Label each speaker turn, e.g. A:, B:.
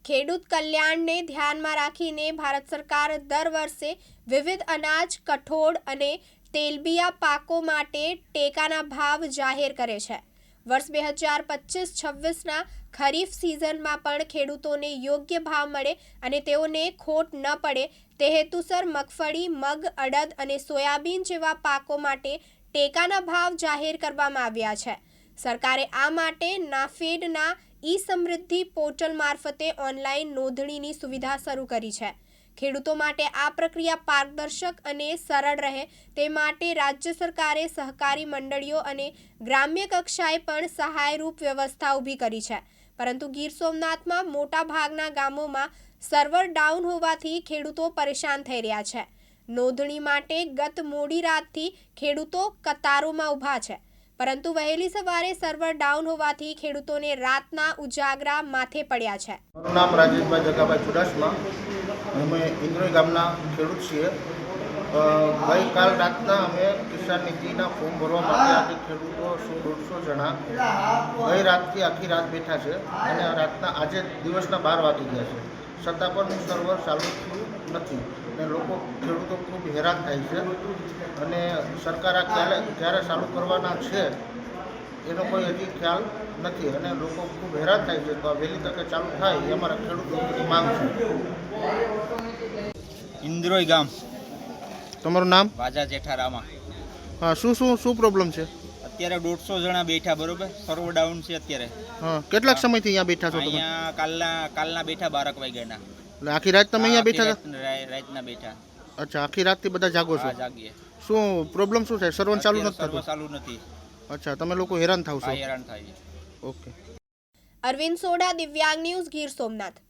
A: ખેડૂત કલ્યાણને ધ્યાનમાં રાખીને ભારત સરકાર દર વર્ષે વિવિધ અનાજ, કઠોળ અને તેલબિયા પાકો માટે ટેકાના ભાવ જાહેર કરે છે. વર્ષ 2025-26ના ખરીફ સિઝનમાં પણ ખેડૂતોને યોગ્ય ભાવ મળે અને તેઓને ખોટ ન પડે તે હેતુસર મગફળી, મગ, અડદ અને સોયાબીન જેવા પાકો માટે ટેકાના ભાવ જાહેર કરવામાં આવ્યા છે. સરકારે આ માટે નાફેડના ઈ-સમૃદ્ધિ પોર્ટલ મારફતે ઓનલાઈન નોંધણીની સુવિધા શરૂ કરી છે. ખેડૂતો માટે આ પ્રક્રિયા પારદર્શક અને સરળ રહે તે માટે રાજ્ય સરકારે સહકારી મંડળીઓ અને ગ્રામ્ય કક્ષાએ પણ સહાયરૂપ વ્યવસ્થા ઊભી કરી છે. પરંતુ ગીર સોમનાથમાં મોટાભાગના ગામોમાં સર્વર ડાઉન હોવાથી ખેડૂતો પરેશાન થઈ રહ્યા છે. નોંધણી માટે ગત મોડી રાતથી ખેડૂતો કતારોમાં ઊભા છે. પરંતુ વહેલી સવારે સર્વર ડાઉન હોવાથી ખેડૂતોને રાતના ઉજાગરા માથે પડ્યા છે.
B: મારું નામ રાજેશભાઈ જગાભાઈ ચુડાસમા. અમે ઇન્દ્રોઈ ગામના ખેડૂત છીએ. ગઈકાલ રાતના અમે કિસાન નીતિના ફોર્મ ભરવા માટે આજે ખેડૂતો 100-150 જણા ગઈ રાતથી આખી રાત બેઠા છે અને રાતના આજે દિવસના 12 વાગી ગયા છે. છતાં પણ સર્વર ચાલુ થયું નથી અને ખેડૂતો ખૂબ હેરાન થાય છે અને સરકાર આ ક્યારે ચાલુ કરવાના છે એનો કોઈ હજી ખ્યાલ નથી અને લોકો ખૂબ હેરાન થાય છે. તો આ વહેલી તકે ચાલુ થાય એ અમારા ખેડૂતોની માંગ છે.
C: ઇન્દ્રોઈ ગામ.
B: તમારું નામ?
C: વાજા જેઠારામા.
B: હા, શું પ્રોબ્લેમ છે?
C: અત્યારે 150 જણા બેઠા, બરોબર. સર્વર ડાઉન છે અત્યારે.
B: હા, કેટલાક સમયથી અહીંયા બેઠા છો તમે?
C: અહીંયા કાલના બેઠા 12 વાગ્યાના.
B: એટલે આખી રાત તમે અહીંયા બેઠા
C: હતા? રાતના બેઠા.
B: અચ્છા, આખી રાતથી બધા જાગો છો?
C: જાગીએ.
B: શું પ્રોબ્લેમ શું છે? સર્વર ચાલુ નથી થતું?
C: ચાલુ નથી.
B: અચ્છા, તમે લોકો હેરાન થાવ છો?
C: હેરાન થાય.
B: ઓકે.
A: અરવિંદ સોડા, દિવ્યાંગ ન્યૂઝ, ગીર સોમનાથ.